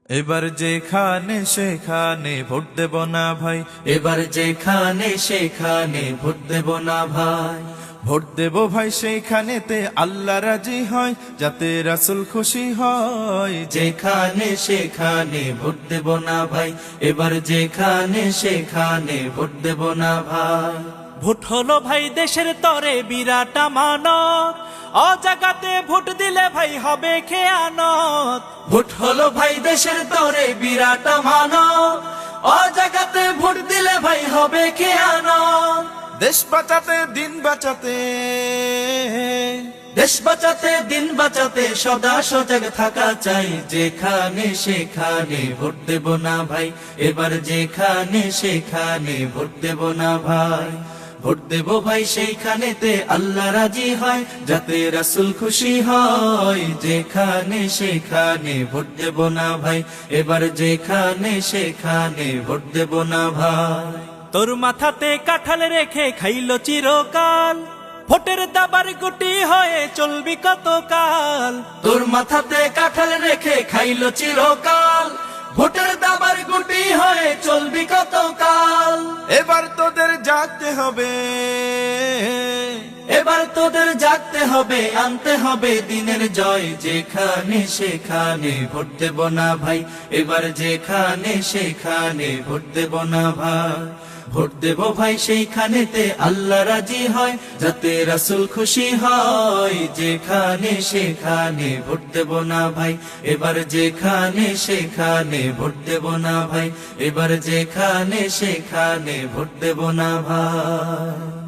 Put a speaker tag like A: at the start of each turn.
A: এবার যেখানে সেখানে ভোট দেব না ভাই,
B: এবার যেখানে সেখানে ভোট দেব না ভাই।
A: ভোট দেব ভাই সেইখানেতে আল্লাহ রাজি হয়, যাতে রাসূল খুশি হয়।
B: যেখানে সেখানে ভোট দেব না ভাই, এবার যেখানে সেখানে ভোট দেব না ভাই।
C: ভোট হলো ভাই দেশের তরে বিরাট আমানত, অজাগাতে ভোট দিলে ভাই হবে খেয়ানত।
B: ভোট হলো ভাই দেশের তরে বিরাট আমানত, অজাগাতে ভোট দিলে ভাই হবে খেয়ানত।
A: দেশ বাঁচাতে দিন বাঁচাতে,
B: দেশ বাঁচাতে দিন বাঁচাতে সদা সজাগ থাকা চাই। যেখানে সেখানে ভোট দেব না ভাই, এবার যেখানে সেখানে ভোট দেব না ভাই। ভোট দেব ভাই সেইখানেতে আল্লাহ রাজি হয়, যাতে রাসূল খুশি হয়। যেখানে সেখানে ভোট দেব না ভাই, এবার যেখানে সেখানে ভোট দেব না ভাই।
C: তোর মাথাতে কাঁঠাল রেখে খাইলো চিরকাল, ভোটের দাবার গুটি হয়ে চলবি কতকাল।
B: তোর মাথাতে কাঁঠাল রেখে খাইলো চিরকাল, ভোটের দাবার গুটি হয়ে চলবি কতকাল।
A: এবার তোদের জাগতে হবে,
B: এবার তোদের জাগতে হবে, আনতে হবে দিনের জয়। যেখানে সেখানে ভোট দেব না ভাই, এবার যেখানে সেখানে ভোট দেব না ভাই। ভোট দেব ভাই সেইখানেতে আল্লাহ রাজি হয়, যাতে রাসূল খুশি হয়। যেখানে সেখানে ভোট দেব না ভাই, এবার যেখানে সেখানে ভোট দেব না ভাই। এবার যেখানে সেখানে ভোট দেব না ভাই।